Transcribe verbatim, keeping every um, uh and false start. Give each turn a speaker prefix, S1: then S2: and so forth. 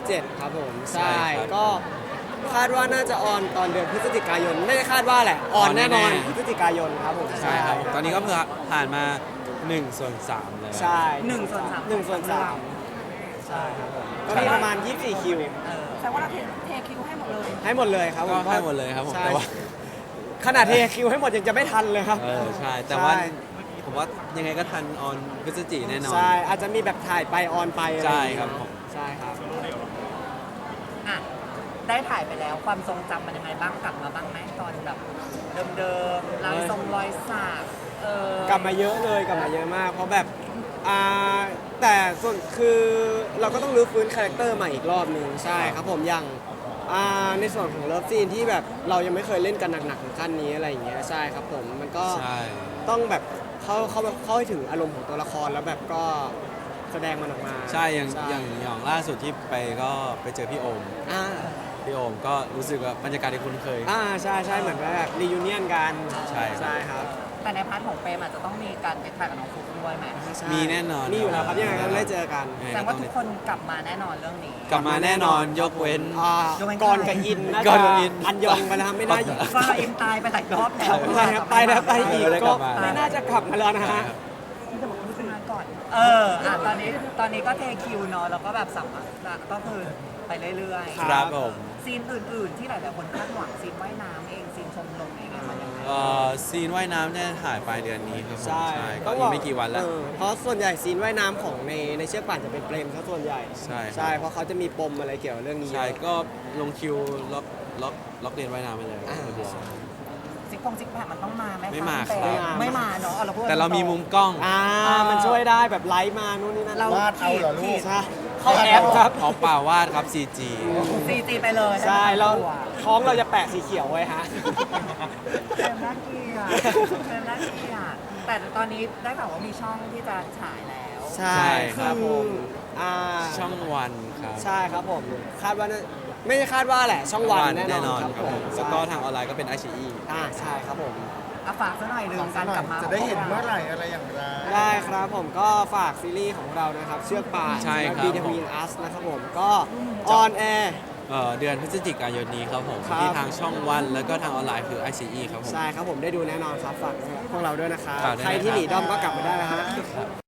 S1: เจ็ดครับผม
S2: ใช่
S1: ใช่
S2: ครับ
S1: ก็คาดว่าน่าจะออนตอนเดือนพฤศจิกายนไม่ได้คาดว่าแหละ ออนแน่นอน
S2: ออนแน่ๆ
S1: พฤศจิกายนครับผม
S2: ใช่ครับผมตอนนี้ก็เพิ่งผ่านมา1ส่วน3แล้ว
S1: ใช่
S3: หนึ่งส่วนสาม
S1: หนึ่งส่วนสามใช่ครับผมก็มีประมาณยี่สิบสี่คิว
S3: เออแสดงว่าเราเทเทคิวให้หมดเลย
S1: ให้หมดเลยครับผ
S2: ก็
S1: ม
S2: ให้หมดเลยครับผม
S1: ใช่
S2: แต่ว่า
S1: ขนาดเทคิวให้หมดยังจะไม่ทันเลยครับ
S2: เออใช่แต่ว่า
S1: ใช่
S2: ผมว่ายังไงก็ทันออนพฤศจิแน่นอน
S1: ใช่อาจจะมีแบบถ่ายไปออนไปอะไอย่างเงี้ย
S2: ใช่ครับผม
S1: ใช่ครับ
S3: อ่ะได้ถ่ายไปแล้วความทรงจำมันยังไงบ้างกลับมาบ้างไหมตอนแบบเดิมๆรอยทรงรอยสักเออก
S1: ลับมาเยอะเลยกลับมาเยอะมาก เพราะแบบอ่าแต่ส่วนคือเราก็ต้องรื้อฟื้นคาแรคเตอร์ใหม่อีกรอบหนึ่งใช่ครับผมอย่างอ่าในส่วนของเลิฟซีนที่แบบเรายังไม่เคยเล่นกันหนักๆถึงขั้นนี้อะไรอย่างเงี้ยใช่ครับผมมันก็
S2: ใช่
S1: ต้องแบบเข้าเข้าเข้าให้ถึงอารมณ์ของตัวละครแล้วแบบก็แสดงมันออกมา
S2: ใช่อย่างอย่างอย่างล่าสุดที่ไปก็ไปเจอพี่โอม
S1: อ่า
S2: พี่โอมก็รู้สึกว่าบรรยากาศที่คุ้นเคย
S1: อ่าใช่ใช่เหมือนแบบรียูเนียนกัน
S2: ใช่ครับ
S1: ใช่ครับ
S3: แต่ในพาร์ทของเปรมอาจจะต้องมีการไปถ่ายกับน้องฟุกด้วยไหม
S1: ใช่
S2: มีแน่นอน
S1: มีอยู่แล้วครับยังไงก็ได้เจอกัน
S2: ยัง
S3: แส
S2: ไง
S3: ดง
S2: ก็
S3: ว่า
S2: ต้อง
S3: ทุกคนกลับมาแน่นอนเรื่องนี้
S2: กลับมาแน่นอนยกเว้น
S1: อ่าย
S3: กเว้น
S1: กรกับอินน่า
S2: ก่
S1: จะ
S2: อนกับอิน
S1: อันยองไปแล้วไม่น่าอยู่
S3: ฟ้าอินตายไปหลายรอบแล้ว
S1: ใช่ครับไปแล้วไปอีก
S2: ไม่ได้ก
S1: ก็
S2: ลับมา
S1: ไม่น่าจะกลับมาแล้วนะฮะ
S3: จะบอกคุณงานก่อน เอออ่ะตอนนี้ตอนนี้ก็เทคิวเนาะแล้วก็แบบสัมภาษณ์ก็คือไปเรื่อย
S1: ครั
S2: ครับผม
S3: ๆซีนอื่นๆ ที่หลายๆคนคาดหวังซีนว่ายน้ำเองซีนชมลมเองอะมันยังไง
S2: เอ่อซีนว่ายน้ำเนี่ยถ่ายปลายเดือนนี้ครับผม
S1: ใช่
S2: ก็อีกไม่กี่วันแล้ว
S1: เออเพราะส่วนใหญ่ซีนว่ายน้ำของในในเชือกป่านจะเป็นเปรมซะส่วนใหญ่
S2: ใช่ครับ
S1: ใช่เพราะเขาจะมีปมอะไรเกี่ยวกับเรื่องนี้
S2: ใช่
S1: เยอะ
S2: ก็ลงคิวล็อกล็อกล็อกเรียนว่ายน้ำไปเลย
S1: อ่า
S2: เรียบร้อย
S3: ซิกพงซิกแพคมันต้องมาไหมคะ
S2: ไม่มา
S3: แต่
S2: ครับ
S3: ไม่มาเนาะเอาเราพูด
S2: แต่เรามีมุมกล้อง
S1: อ่ามันช่วยได้แบบไลฟ์มานู่นนี่นั่น
S3: เรา
S4: วาดเอาเหรอลูก
S1: ใช่เข้าแอปครับ
S2: เอาเปล่าวาดครับ ซี จี
S3: ซีจีไปเลย
S1: ใช่เรา
S3: ตัว
S1: ท้องเราจะแปะสีเขียวไว้ฮะ
S3: เฟรมน่าเกลียดเฟรมน่าเกลียดแต่ตอนนี้ได้ข่าวว่ามีช่องที่จะฉายแล้ว
S1: ใช่ครับผมอ่า
S2: ช่องวันครับ
S1: ใช่ครับผม คาดว่าน่าไม่ใช่คาดว่าแหละ ช่องวันแน่นอนครับ
S2: ครับ
S1: ผ
S2: ผม มแล้วก็ทางออนไลน์ก็เป็นไอชีอี
S1: อ่าใช่ครับผม
S3: อ่ะฝากซะหน่อยหนึ่งการกลับมา
S4: จะได้เห็นเมื่อไหร่อะไรอย่างไร
S1: ได้ครับผมก็ฝากซีรีส์ของเรานะครับ เชือกป่าน
S2: ใช่ครับ
S1: บีทวีนอัสนะครับผมก็ออนแอร์
S2: เอ่อเดือนพฤศจิกายนนี้ครับผม
S1: ครับ
S2: ที่ทางช่องวันแล้วก็ทางออนไลน์คือ ไอ ซี อี ครับผม
S1: ใช่ครับผมได้ดูแน่นอนครับฝากพวกเราด้วยนะครับ
S2: ฝากด้วย
S1: ใครที่
S2: นะครับ
S1: หนีด้อมก็กลับมาได้นะฮะ
S2: ครับ